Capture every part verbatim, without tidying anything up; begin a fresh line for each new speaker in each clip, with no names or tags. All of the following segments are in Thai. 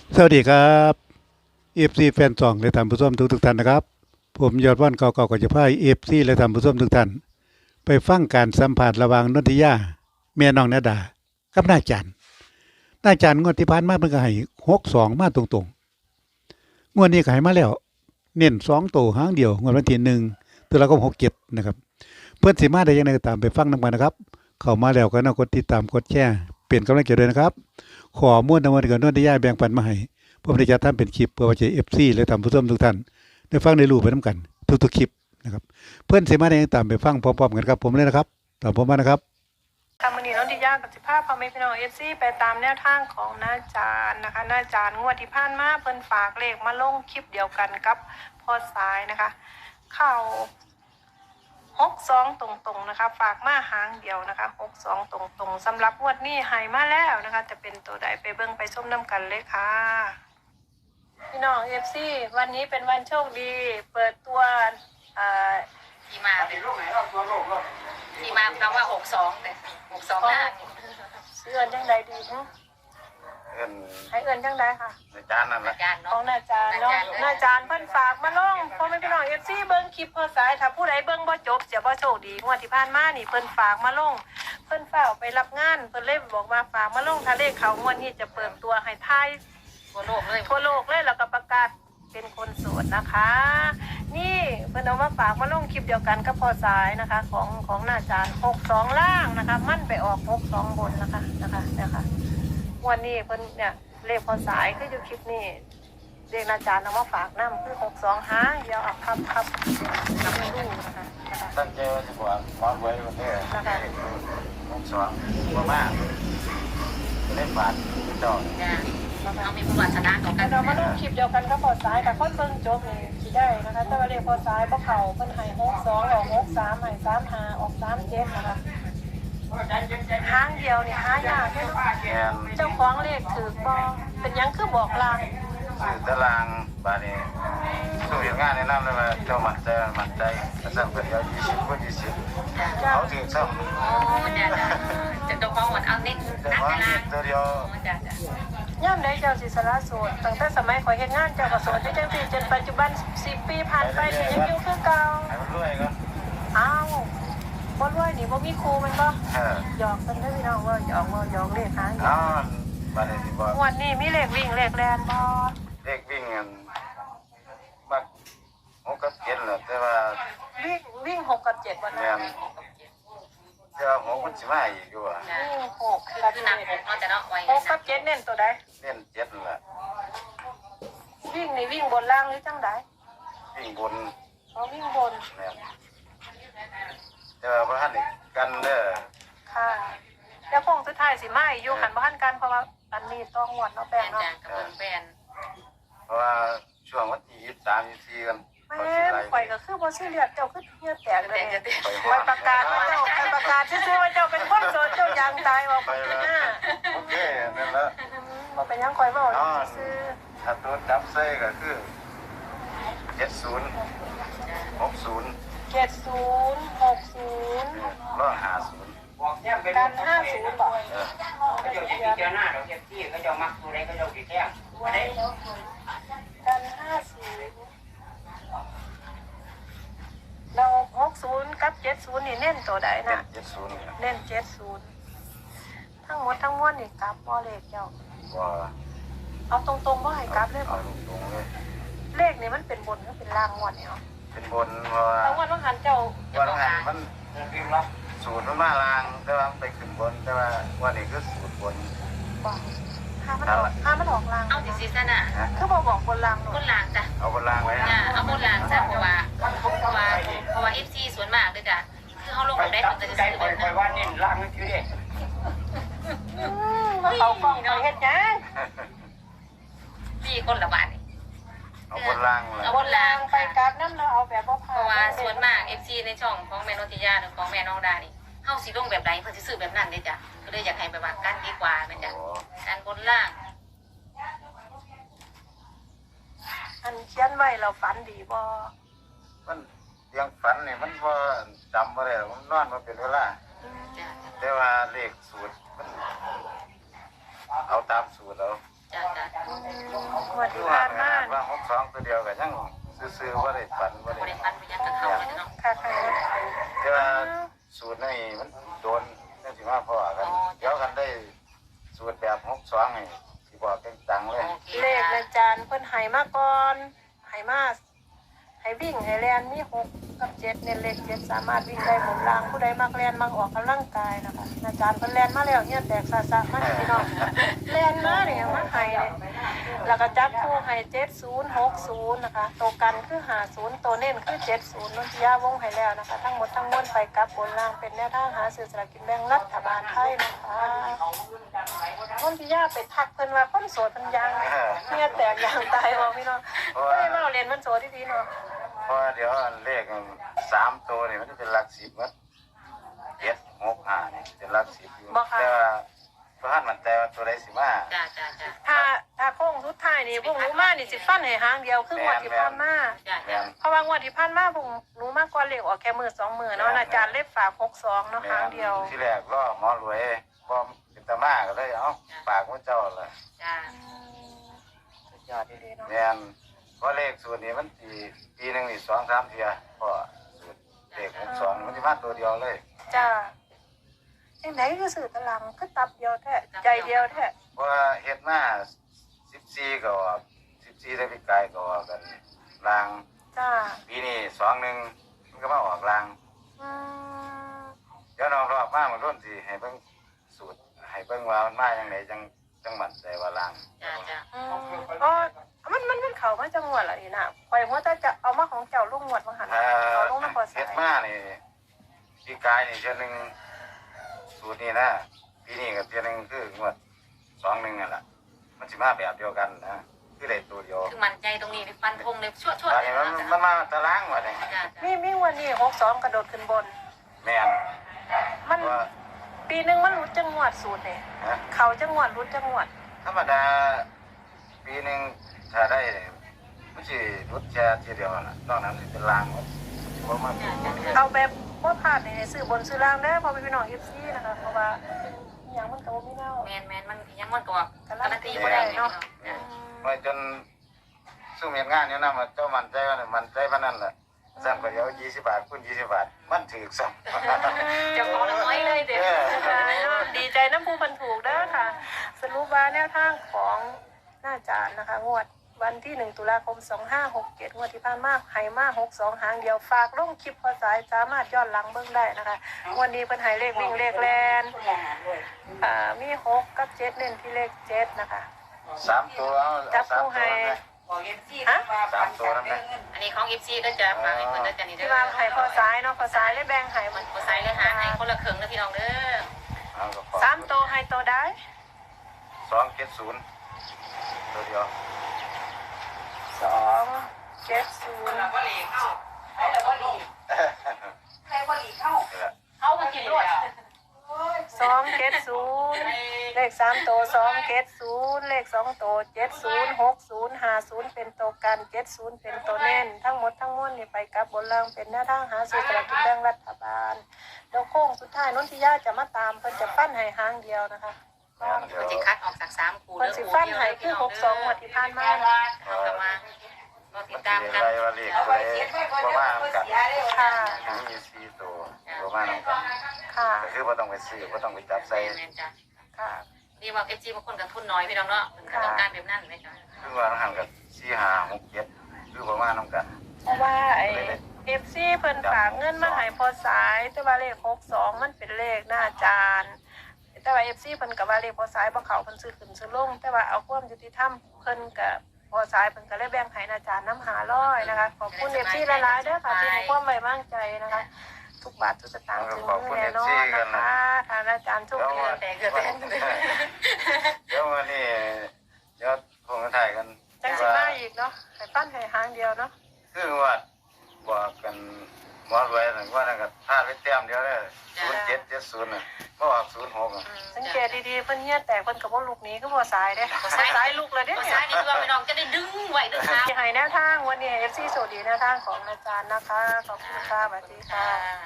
สวัสดีครับเอฟซีแฟนซองและท่านผู้ชมทุกทุกท่านนะครับผมยอดว่านเก่าๆก็จะพาเอฟซีและท่านผู้ชมทุกท่านไปฟังการสัมผัสระหว่างนนทิยาแม่น้องนาดากับนายจันนายจันงวดที่ผ่านมาเพิ่นก็ให้หกสองมาตรงๆงวดนี้ก็ให้มาแล้วเน้นสองตัวหางเดียวงวดวันที่หนึ่งตุลาคมหกเจ็ดนะครับเพื่อนสิมาได้ยังไงก็ตามไปฟังนำกันนะครับเข้ามาแล้วก็น่ากดติดตามกดแชร์เปลี่ยนกำลังใจด้วยนะครับขอม้วนทั้งหมดกับนนทิยาแบ่งปันมาให้ผมได้จัดทำเป็นคลิปเพื่อว่าจะ เอฟ ซี และท่านผู้ชมทุกท่านได้ฟังได้รู้ไปนํกันทุกๆคลิปนะครับเพื่อนสิมาได้ตามไปฟังพร้อมๆกันครับผมเลยนะครับตามผมมานะครับ
ทำมันนี้น้องดิยากับสิภาพพ่อแม่พี่น้องเอฟซีไปตามแนวทางของน้าจานนะคะน้าจานงวดที่ผ่านมาเพิ่นฝากเลขมาลงคลิปเดียวกันกับพ่อสายนะคะเข้าหกสองตรงๆนะคะฝากมาหางเดียวนะคะหกสองตรงๆสำหรับงวดนี้ให้มาแล้วนะคะจะเป็นตัวใดไปเบิ่งไปชมน้ำกันเลยค่ะพี่น้องเอฟซีวันนี้เป็นวันโชคดีเปิดตัวอ่า
ที่มาเป็นที่มาคำว่าหกสองแต่หกสองห้า
เอื้อนจังใดดีฮะ
เอิ้น
ให้เอื้อนจังใดค่ะ
ในจานนั่นแห
อา
ละ
จารย์
ขอ
เนาะ
งนาจารย์เนาะนาจารย์เพิ่นฝากมาลงพ่อแม่พี่น้องเอฟซีเบิ่งคลิปพอสายถ้าผู้ใดเบิ่งบ่จบเสียบ่โชคดีงวดที่ผ่านมานี่เพิ่นฝากมาลงเพิ่นฝากไปรับงานเพิ่นเลยบอกว่าฝากมาลงถ้าเลขเขางวดนี้จะเปิดตัวให้ทาย
ทั่วโลกเลย
ทั่วโลกเลยแล้วก็ประกาศเป็นคนโสดนะคะ นี่เพิ่นเอามาฝากมาลงคลิปเดียวกันกับพอสายนะคะ ของของนาจารย์หกสองล่างนะคะ มั่นไปออกหกสองบนนะคะนะคะนะคะวันนี้เพิ่นเนี่ยเลขพอสายคืออยู่คลิปนี้เลขอาจารย์เอามาฝากน้ำคือหกสองห้าเดี๋ยวเอาครับครับนำไปดูนะคะนะคะ
ตั้งใจว่าจะบอกความไว้วันนี้
นะคะ
หกสองบ่มากเล่นบาทดอก
จ้ะเอามีประวัติศาสตร์ต่อกั
แล้
น
วเรามาดูคลิปเดียวกันกับพอสายกับคนเบิ่งจบนี่สิได้นะคะแต่ว่าเลขพอสายบ่เข้าเพิ่นให้หกสองออกหกสามให้สามห้าออกสามเจ็ดนะคะทางเดียวนี่หายากเลยเนาะ
แกน
เจ้าของเลขถือบ่เป็นหยังคือบอกลาง
สื่อตารางบาทนี้สู้เหตุงานในน้ำเลยว่าเจ้ามั่นใจมั่นใจกระสังเกิดเดียวยี่สิบกว่ายี่สิบ
จ้า
เขาถึงซ้
อ๋อจ้ะจ้ะจะตัวของหมดเอานิด
ำแต่
นัก
ว่า
เวลา
ตัวเดียว
อ๋อจ้ะจ้ะ
ย่ำใดเจ้าสิสละโสดตั้งแต่สมัยข่อยเฮ็ดงานเจ้าก็โสดอยู่จังซี่จนปัจจุบันสิบปีผ่านไปนี่ยังอยู่คือเก่า
ให้มันรวยก็
อ้าวบ่รวยนี่บ่มีครูแมันบ่
เออ
หยอกกันเด้อพี่น้องว่าหยอกว่าหยอกเลขหางเดียว
เอาบาทนี้ที่บอก
งวดนี้มีเลขวิ่งเลขแล่นบ่
เด็กวิ่งกันมักหกกับเจ็ดแหละแต่ว่า
วิ่งวิ่งหกกับเจ็ดบ่
แม่
นะ
นแต่ว่าหกมันสิมาอีกอยู่อ่ะ
จ้ะ
วิ่งหกกับ
คือ
เจ็
นั
ด
กหกเนาะแต่เนาะไว้
หกกับเจ็ดเน้นตัวใด
เล่นเจ็ดนั่นแหละ
วิ่งนี่วิ่งบนล่างหรือจังใด
วิ่งบน
อ๋อวิ่งบน
แม่นแต่ว่าพระท่านอีกกันเด้อ
ค่ะแล้วคงสุดท้ายสิมาอีกอยู่หันบ่ทันกันเพราะว่าอันนี้ต้องงวดเนาะแป้
แฟ
ง
น
เนาะ
จ้ะกับเบิ้งแฟน
เพราะว่าช่วงวันที่ยี่สิบสามยี่สิบสี่กัน
แม่นข่อยก็คือบ่ซื้อเลือดเจ้าคือเหี้ยแตกเล
แต่
ย
จะติด
ไปประกาศว่าเจ้าไปประกาศซื่อๆว่าเจ้าเป็นคนโสดเจ้ายางตายออกไปหน้า
โอเคนั่นแหละ
บ่เป็นหยังข่อยเว้าซื่อ
ถ้าตัวจับใส่ก็คือเจ็ดศูนย์หกศูนย์
เจ็ดศูนย์หกศูนย์
ร้อยห้าศูนย์
กันห้าศูนย์บ่
เออ
เขาจะเจอหน้าเราเจ็บที่เขาจะมักตัวใดเขาจะติดแท้ไม่ได้
กันห้าศูนย์เราหกศูนย์กับเจ็ดศูนย์นี่เน้นตัวใด
เจ็
นะ
ดเจ็ดศูนย์เนี่ย
เน้นเจ็ดศูนย์ทั้งหมดทั้งมวลนี่กลับบ่เลขเจ้า
ว่า
เอาตรงๆบ่ให้กลับเลย
เอา
บ่
ตรงๆเลย
เลขนี่มันเป็นบนหรือเป็นล่างงวดเนี่ยเอา
เป็นบนเพราะว่า
ทั้งวันต้องหันเจ้า
วันหันมัน
วิ่งรับ
สูตรมันมาลางแต่ว่าไปขึ้นบนแต่ว่าวันนี้คือสูตรบน
บ่ห้ามันออกห้ามันออกล่าง
เอาสิซีซั่นน่ะ
นะ
คือบ่บอกบนล่างหนู
คนหลางจ้ะ
เอาบนลางไว้
จ้ะเอาคนหลางจ้ะเพราะว่าเพราะว่าเพราะว่าเอฟซีส่วนมากเลยจ้ะคือเขาลง
ไป
แบบได้
จับ
ถึงจะ
ใจ
ซื้อ
ค
แบ
อย
บ
คอ
นั้
ย
น
ว่าเน้นล่างนี่คือเด็ก
มาเอากล้องไปเฮ็ดหยัง
พี่คนละบาทนี่
เอาบนลางเลย
เอา
บนล่างไปกลับนำเนาะเอาแบบบ่
เพ
ผ่า
ราะว่า
น
ส่วนมาก เอฟ ซี ในช่องของแม่นนทิยาหรือของแม่น้องดานี่เฮาสิลงแบบใดเพิ่นสิซื้อแบบนั้นเด้จ้ะก็เลยอยากให้แบบว่ากันดีกว่าแม่นจ้ะ
โอ้
การบนล่าง
อันเขียนไว้เราฝันดีบ่
มันยังฝันนี่มันพอจำมาได้หรอกมันนอนมาเป็นเวลา
จ้ะ
แต่ว่าเลขสูตรมันเอาตามสูตรเอา
จ้ะจ้ะ
อืม
ให้สิบอกเต็งตังเลย
โอเค
เลข
ค่ะ
อาจารย์เพิ่นให้มาก่อนให้มาให้วิ่งให้แลนมีหกกับเจ็ดเน้นเลขเจ็ดสามารถวิ่งได้หมดรางผู้ใดมักแลนมักออกกำลังกายนะคะอาจารย์เพิ่นแลนมาแล้วเนี่ยแตกซาซามาให้พี่น้องแลนมาเนี่ยมาให้เลยแล้วก็จับคู่ให้เจ็ดศูนย์หกศูนย์นะคะตัวกันคือห้าศูนย์ตัวเน้นคือเจ็ดศูนย์นนทิยาวงให้แล้วนะคะทั้งหมดทั้งมวลไปกับบนรางเป็นแนวทางหาซื้อสลากกินแบ่งรัฐบาลไทยนะคะนนทิยาไปทักเพิ่นว่าคนโสดเพิ่นยังเนี่ยแตกยางตายบ่พี่น้องไม่ได้มาเรียนมันโสดที่ดีเนาะ
เพราะว่าเดี๋ยวเลขสามตัวนี่มันจะเป็นหลักสิบมั้งเจ็ดหกห้านี่เป็นหลักสิบอยู่แต่ว่าพระท่านมันแต่ว่าตัวใดสิมา
จ้าจ้าจ้า
ถ้าถ้าโค้งสุดท้ายนี่พวกหนูมานี่สิฟันให้หางเดียวคืองวดที่ผ่านมา
จ้า
แม่
จ้าน
เพราะว่างวดที่ผ่านมาพวกหนูมากกว่าเลขออกแค่มือสองมือเนาะอาจารย์เล็บฝากหกสองเนาะหางเดียว
ที่แรกล่อหมอรวยบ่เป็นตามาก็เลยเอ้าฝากพระเจ้าเลย
จ้า
สุดยอดดีๆเนาะ
แม่นเพราะเลขสูตรนี้มันปีปีหนึ่งนี่สองสามเทียเพราะสูตรเลขหกสองมันจะมาตัวเดียวเลย
จ้าจังไหนคือสื่อตะลังคือตับเดียวแท้ใจเดียวแท้
เพราะว่าเฮ็ดมาสิบสี่ก็ออกสิบสี่ได้ปีกายก็ออกกันลาง
จ้า
ปีนี้สองหนึ่งมันก็มาออกลาง
อืม
เดี๋ยวน้องรอบมามันรุ่นสิให้เบิ่งสูตรให้เบิ่งว่ามันมาอย่างไรจังจังหวัดใจว่าลาง
จ้าจ้า
อืมอ๋อมันมันมันเขามาจังหวัดอะไรนะปล่อยหัวแต่จะเอามาของเจ้าลุงหวดมาหัน
เอ่อ
เอาลุงมาพอสา
เฮ็ด
ย
มานี่ปีกายนี่เทื่อหนึงสูตรนี้นะปีนี้ก็เทื่อหนึงคืองวดสองหนึ่งนั่นแหละมันสิมาแบบเดียวกันนะคือได้ตัวเดียว
คือมั่นใจตรงนี้ฟันธงเลยชั่วชั่ว
ตอน
เล
นี้
ย
มัน
จ้า
มันมาตารางว่าเนี่ย
จ้า
มีมีวันนี้หกสองกระโดดขึ้นบน
แม่น
มัน
ว่า
ปีหนึ่งมันรุดจังหวัดสูตรเนี่ย
ฮะ
เขาจังหวัดรุดจังหวัด
ธรรมดาปีหนึงถ้าได้เนี่ยมันสิรุดแค่ทีเดียวน่ะนอกนั้นสิเป็นลางหมดบ่มาเป็นตัวเดียว
เอาแบบว่าพลาดในซื้อบนซื้อล่างได้พอไปพี่น้องเอฟซีนะคะเพราะว่าอย่างมันกับไม่เน่า
แมนแมนมันยังมันก็การันตี
บ่
บ่
ได้
ได้
เนาะ
เนาะ
ไว้จนสู้เมียนงานเนี่ยนะมันเจ้ามันใจว่ามันใจพนันแหละสั่งไปเดี๋ยวยี่สิบบาทคุณยี่สิบบาทมันถือซ้ำ
เจ้าของน้อยเลยเด็ก
ดีใจน้ำผู้พันถูกเด้อค่ะ สรุปว่าแนวทางของหน้าจานนะคะ งวดวันที่หนึ่งตุลาคมสองห้าหกเจ็ดงวดที่ผ่านมาไห่มาหกสองหางเดียวฝากลงคลิปพอสายสามารถย้อนหลังเบิ่งได้นะคะวันนี้เป็นไห่เลขวิ่งเลขแลนอ่ามีหกกับเจ็ดเน้นที่เลขเจ็ดนะคะ
สามตัวเอา
จับ
สาม
ผู้
ตัว
ให้
นะ
ฮะ
สามตัวนั่นนะ
อันนี้ของ เอฟ ซี ก็จะฟังให้เพิ่นจะนี่เด้
ที่
อ
ว่าไห่พอสายเนาะพอสายเลยแบ่งไห่
มั
มัน น
บ่ใส่เลยหาให้คนละครึ่งนะพี่น้องเด้อ
เอาก็ขอ
สามโตวไห่โตวได้
สองเจ็ดศูนย์ตัวเดียว
สองเจ็ดศูนย์
เราก็หลีกเข้าให้เราก็หลีกให้ก็หลีกเข้า
นี่แหละ
เอามากินรวด
สองเจ็ดศูนย์เลขสามตัวสองเจ็ดศูนย์เลขสองตัวเจ็ดศูนย์หกศูนย์ห้าศูนย์เป็นตัวกันเจ็ดศูนย์เป็นตัวเน้นทั้งหมดทั้งมวลนี่ไปกับบนล่างเป็นแนวทางหาซื้อสลากกินแบ่งรัฐบาลแล้วโค้งสุดท้ายนนทิยาจะมาตามเพิ่นจะปั้นให้หางเดียวนะคะ
แม่นเดี๋ยว
มันสิคัดออกจากสามคู่
เพิ่นสิปั้นให้คือหกสองงวดที่ผ่านมา
เอากลับมาก็ติดตาม
มัน
กั
สิ
น
อะไรว่าเลขตัวเองประมาณกัน
ค่ะ
มีสี่ตัวประมาณนั้นกัน
ค่ะ
ก็คือว่าต้องไปซื้อว่าต้องไปจับใส่
แม่นจ้ะ
ค่ะ
นี่ว่า เอฟ ซี บางคนก็ทุนน้อยพี่น้องเนาะเพิ่นก็ต้องการแบบนั้นแม่จ้ะ
คือว่าหันกับสี่ห้าหกเจ็ดคือประมาณนั้นกัน
เพราะว่าไอเอฟซีเพิ่นฝากเงินมาให้พอสายแต่ว่าเลขหกสองมันเป็นเลขหน้าจานแต่ว่าเอฟซีเพิ่นกับว่าเลขพอสายบ่เขาเพิ่นซื้อขึ้นซื้อลงแต่ว่าเอาความยุติธรรมเพิ่นกับพอสายเพิ่นก็เลยแบ่งให้หน้าจานน้ำหาร้อยนะคะขอบคุณเอฟซีหลายๆเด้อค่ะที่ให้ความไว้วางใจนะคะ ทุกบาททุกสตางค์ถึงมือแน่นอนนะคะทางอาจารย์ทุก
แล้ว
เดือ
วัน
นแต่เกิดเป็น
เดี๋ยววันนี้เดี๋ยวคงจะถ่ายกัน
จังสิมาอีกเนาะให้ปั้นให้หางเดียวเนาะ
คือว่าบอกกันหมอรวยหนึ่งว่านั่นก็พลาดไปแต้มเดียวเลยศูนย์เจ็ดเจ็ดศูนย์น่ะเมื่อวานศูนย์หก
สังเกตดีๆเพิ่นเฮียแตกเพิ่นก็บ่ลูกหนี้ก็บ่สายเด้บ่สายลูกเลยเด้
ภา
เนี่ย
ษานี่คือว่าพี่น้องจะได้ดึงไว้ดึงเท้า
ที่ให้แนวทางวันนี้ เอฟ ซี สวัสดีแนวทางของอาจารย์นะคะขอบคุณค่ะสวัสดีค่ะ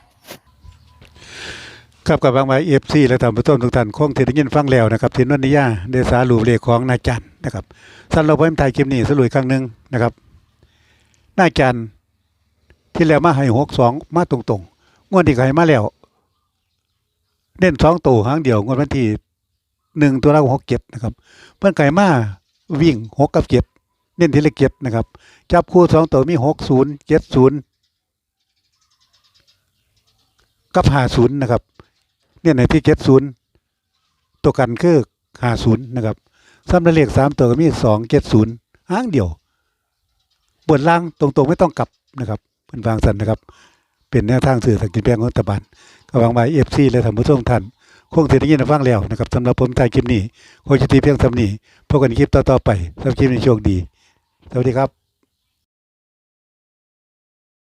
ครับกับบางไว้เอฟซีและท่านผู้ชมทุกท่านคงที่ได้ยินฟังแล้วนะครับที่นนทิยาได้สารุปเลขของนายจันนะครับสั้นเราเพิ่มไทยคลิปนี้สรุปอีกครั้งหนึ่งนะครับนายจันที่แล้วมาให้หกสองมาตรงๆงวดที่ให้มาแล้วเน้นสองตัวหางเดียวงวดวันที่หนึ่งตัวละหกเจ็ดนะครับเพิ่นไก่มาวิ่งหกกับเจ็ดเน้นทีละเจ็ดนะครับจับคู่สองตัวมีหกศูนย์เจ็ดศูนย์กับห้าศูนย์นะครับเนี่ยในที่เจ็ดศูนย์ตัวกันคือห้าศูนย์นะครับซ้ำในเลขสามตัวก็มีสองเจ็ดศูนย์หางเดียวบนล่างตรงๆไม่ต้องกลับนะครับเพิ่นวางสันนะครับเป็นแนวทางสื่อสกินแบงของรัฐบาลก็หวังว่า เอฟ ซี และท่านผู้ชมท่านคงสิได้ยินได้ฟังแล้วนะครับสำหรับผมถ่ายคลิปนี้โคชตีเพียงสำนี้พบกันในคลิปต่อๆไปสำหรับคลิปนี้โชคดีสวัสดีครับ